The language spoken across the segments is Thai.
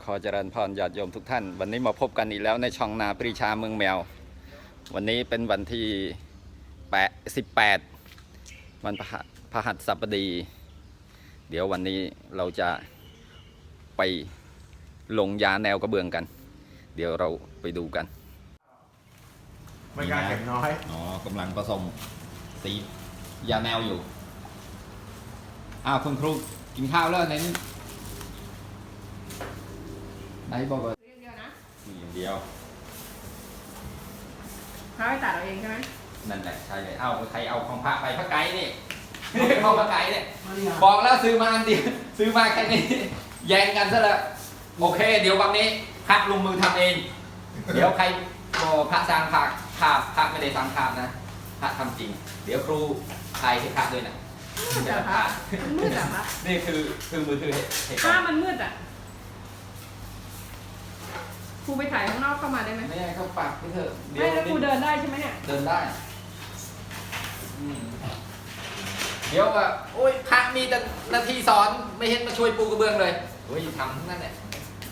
อเจริญพรญาติโยมทุกท่านวันนี้มาพบกันอีกแล้วในช่องนาปรีชาเมืองแมววันนี้เป็นวันที่18วันพฤหัสบดีเดี๋ยววันนี้เราจะไปลงยาแนวกระเบื้องกันเดี๋ยวเราไปดูกันไม่กล้าเก็บน้อยกำลังผสมสียาแนวอยู่คุณครูกินข้าวแล้วไหนบอกว่าอย่างเดียวนะอย่างเดียวพระไปตัดเอาเองใช่ไหมนั่นแหละใช่เลยใครเอาของพระไปพระไก่นี่เอาพระไก่เนี่ยบอกแล้วซื้อมาอันเดียวซื้อมาแค่นี้แย่งกันซะแล้วโอเคเดี๋ยววันนี้พระลงมือทำเองเดี๋ยวใครพระสร้างภาพพระไม่ได้สร้างภาพนะพระทำจริงเดี๋ยวครูถ่ายให้พระด้วยนะมืดอะพระมันมืดอะพระนี่คือมือถือพระมันมืดอะครูไปถ่ายข้างนอกเข้ามาได้ไหมไม่ได้เข้าปากไม่เถอะไม่แล้วครูเดินได้ใช่ไหมเนี่ยเดินได้เดี๋ยวว่าโอ้ยพระมีแต่นาทีสอนไม่เห็นมาช่วยปูกระเบื้องเลยโอ้ยทำนั่นแหละ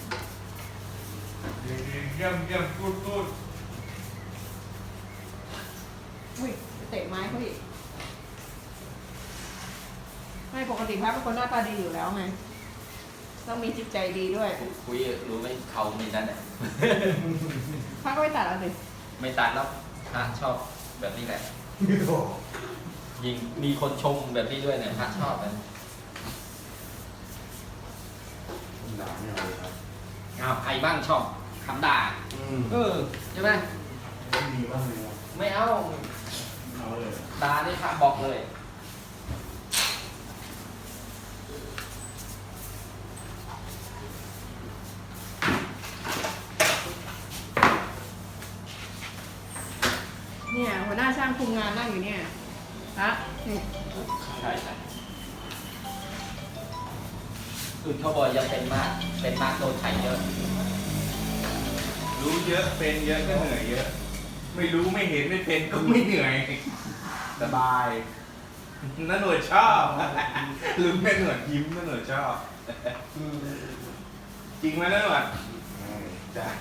เยี่ยมพูดอุ้ยเตะไม้เขาอีกไม่ปกติพระเป็นคนหน้าตาดีอยู่แล้วไงต้องมีจิตใจดีด้วยคุยรู้ไหมเขามีนั่นแหละพระก็ไม่ตัดเอาสิไม่ตัดแล้วพระชอบแบบนี้แหละยิงมีคนชมแบบนี้ด้วยเนี่ยพระชอบมันด่าไม่เอาเลยครับใครบ้างชอบคำด่าใช่ไหมไม่มีบ้างเลยไม่เอาเลยด่านี่พระบอกเลยเนี่ยหัวหน้าช่างคุมงานนั่งอยู่เนี่ยฮะนี่ใช่อื่นเขาบอกยังเป็นมากโดนไถเยอะรู้เยอะเป็นเยอะก็เหนื่อยเยอะไม่รู้ไม่เห็นไม่เป็นก็ไม่เหนื่อยสบายน่าหน่วยชอบลืมแม่หน่วยยิ้มน่าหน่วยชอบจริงไหมน่าหน่วยจ้ะ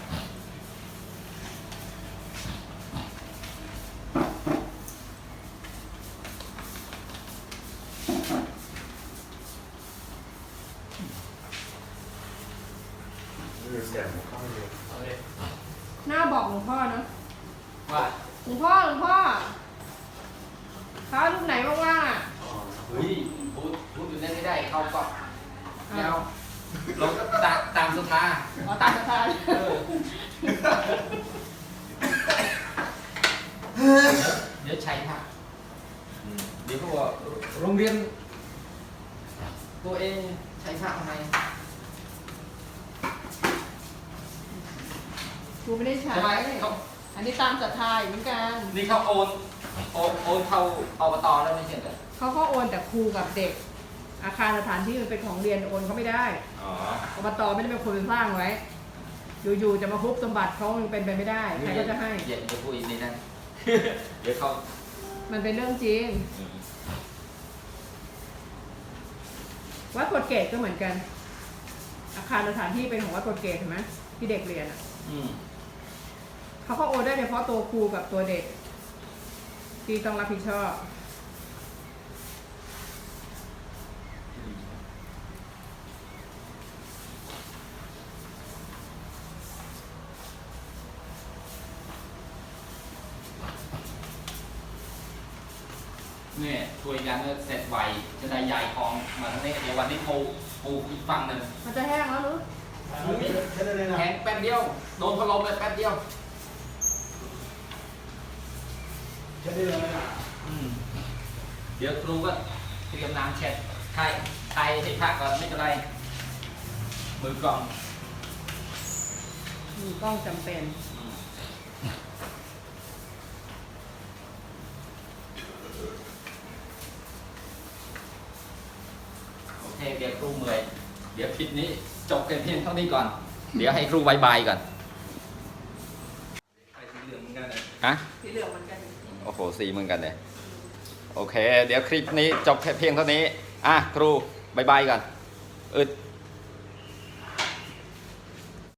หน้าบอกหลวงพ่อเนาะว่าหลวงพ่อเขาลูกไหนว่างๆอ่ะเฮ้ยพูดอยู่นั่นไม่ได้เขาก็แล้วเราก็ตามสุธาตามสุธาเดี๋ยวใช้ค่ะเดี๋ยวเขาบอกโรงเรียนตัวเองใช้พระทำไมครูไม่ได้ใช้อันนี้ตามศรัทธาเหมือนกันนี่เขาโอนเข้าอบตแล้วไม่ใช่เหรอเขาก็โอนแต่ครูกับเด็กอาคารสถานที่มันเป็นของเรียนโอนเขาไม่ได้อบตไม่ได้เป็นคนสร้างไว้อยู่ๆจะมาคุบสมบัติเขาเป็นไปไม่ได้ใครก็จะให้อย่าพูดอีกในนั้นเดี๋ยวเขามันเป็นเรื่องจริงวัดกฎเกตก็เหมือนกันอาคารสถานที่เป็นของวัดกฎเกตเห็นไหมที่เด็กเรียนอ่ะเขาก็โอนได้เฉพาะตัวครูกับตัวเด็กที่ต้องรับผิดชอบเนี่ยช่วยกันเสร็จไวจะได้ใหญ่ของมาทั้งนี้เดี๋ยววันนี้ปูอีกฝั่งหนึ่งมันจะแห้งแล้วหรือแห้งแป๊บเดียวโดนพัดลมเลยแป๊บเดียวเดี๋ยวครูก็เตรียมน้ำเช็ดไทยให้พักก่อนไม่เป็นไรมือกล้องจำเป็นโอเคเดี๋ยวครูเมื่อยเดี๋ยวคลิปนี้จบกันเพียงเท่านี้ก่อนเดี๋ยวให้ครูบายบายก่อนสีเหลืองเหมือนกันเลยสีเหลืองเหมือนกันโอ้โหสีเหมือนกันเลยโอเคเดี๋ยวคลิปนี้จบแค่เพียงเท่านี้ครูบายบายก่อนอึด